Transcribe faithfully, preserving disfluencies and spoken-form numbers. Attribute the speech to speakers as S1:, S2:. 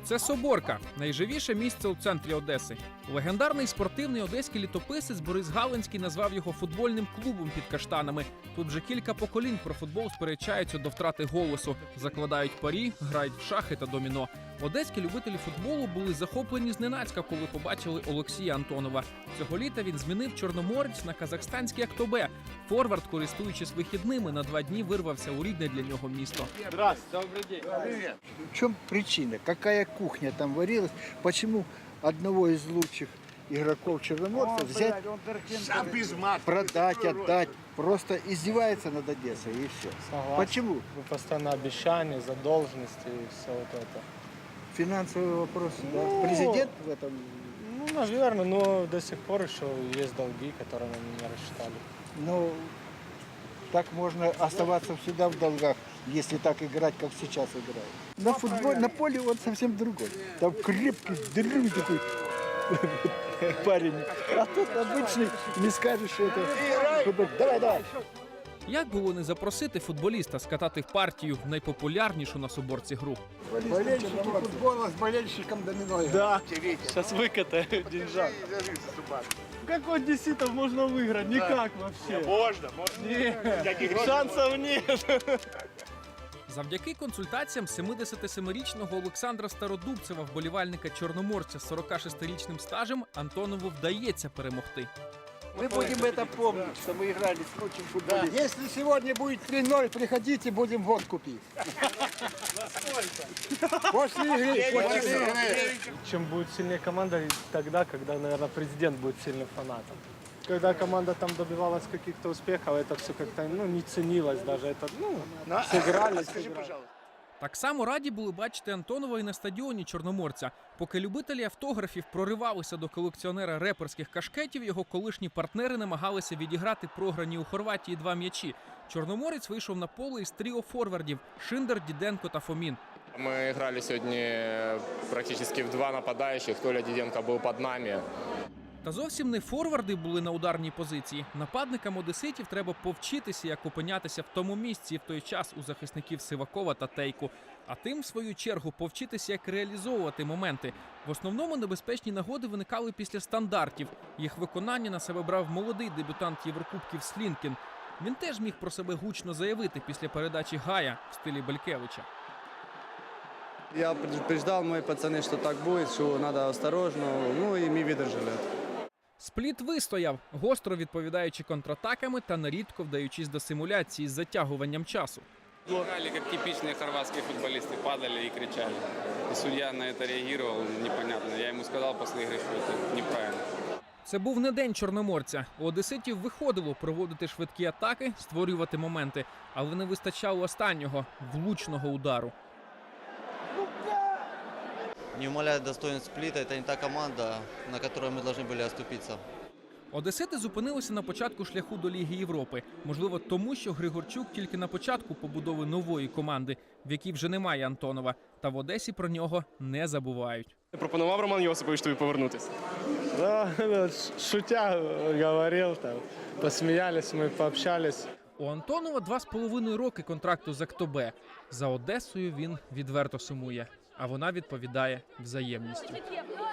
S1: Це Соборка – найживіше місце у центрі Одеси. Легендарний спортивний одеський літописець Борис Галинський назвав його футбольним клубом під каштанами. Тут вже кілька поколінь про футбол сперечаються до втрати голосу. Закладають парі, грають в шахи та доміно. Одеські любителі футболу були захоплені зненацька, коли побачили Олексія Антонова. Цього літа він змінив Чорноморець на казахстанський Актобе. Форвард, користуючись вихідними, на два дні вирвався у рідне для нього місто.
S2: Здравствуйте, добрый день.
S3: Привет. В чем причина? Какая кухня там варилась? Почему одного из лучших игроков Черноморца взять, продать, отдать? Просто издевается над Одессой и все.
S2: Согласен.
S3: Почему?
S2: Вы постоянно обещания, задолженности и все вот это.
S3: Финансовые вопросы, да?
S2: Ну,
S3: Президент в этом...
S2: Ну, наверное, но до сих пор еще есть долги, которые мы не рассчитали.
S3: Ну, так можно оставаться всегда в долгах, если так играть, как сейчас играют. На футболе, на поле он совсем другой. Там крепкий, дрюнь такой парень. А тут обычный, не скажешь, что это... Давай, давай.
S1: Як було не запросити футболіста скатати в партію в найпопулярнішу на Соборці гру?
S3: Болельщики футбола с болельщиком доминой.
S2: Да, сейчас выкатаю деньжат. Как у одесситов можно выиграть? Никак вообще.
S4: Можно, можно.
S2: Нет, шансов нет.
S1: Завдяки консультаціям семидесятисемирічного Олександра Стародубцева, вболівальника Чорноморця з сорокашестирічним стажем, Антонову вдається перемогти.
S3: Мы будем это помнить, что мы играли с лучшим футболистом. Да. Если сегодня будет три-ноль, приходите, будем водку пить. После игры. После игры.
S2: Чем будет сильнее команда, тогда, когда, наверное, президент будет сильным фанатом. Когда команда там добивалась каких-то успехов, это все как-то ну, не ценилось даже. Это, ну, сыграли, сыграли.
S1: Так само раді були бачити Антонова і на стадіоні Чорноморця. Поки любителі автографів проривалися до колекціонера реперських кашкетів, його колишні партнери намагалися відіграти програні у Хорватії два м'ячі. Чорноморець вийшов на поле із тріо форвардів – Шиндер, Діденко та Фомін.
S5: Мы играли сегодня практически в два нападающих. Толя Диденко был под нами.
S1: Та зовсім не форварди були на ударній позиції. Нападникам одеситів треба повчитися, як опинятися в тому місці в той час у захисників Сивакова та Тейку. А тим, в свою чергу, повчитися, як реалізовувати моменти. В основному небезпечні нагоди виникали після стандартів. Їх виконання на себе брав молодий дебютант Єврокубків Слінкін. Він теж міг про себе гучно заявити після передачі Гая в стилі Белькевича.
S6: Я предупреждал, мои пацаны, что так будет, что надо осторожно, ну и мы выдержали.
S1: Спліт вистояв, гостро відповідаючи контратаками та нерідко вдаючись до симуляції з затягуванням часу.
S7: Играли как типичные хорватские футболисты, падали и кричали. И судья на это реагировал непонятно. Я ему сказал после игры, что это неправильно.
S1: Це був не день Чорноморця. У одеситів виходило проводити швидкі атаки, створювати моменти, але не вистачало останнього – влучного удару.
S8: Не умаляет достоинств Сплита, это не та команда, на которой мы должны были оступиться.
S1: Одесити зупинилися на початку шляху до Ліги Європи. Можливо, тому, що Григорчук тільки на початку побудови нової команди, в якій вже немає Антонова. Та в Одесі про нього не забувають.
S4: Пропонував Роман Йосипович тобі повернутися?
S2: Да, шутя говорил, там, посмеялись, мы пообщались.
S1: У Антонова два з половиною роки контракту з Актобе. За Одесою він відверто сумує, а вона відповідає взаємністю.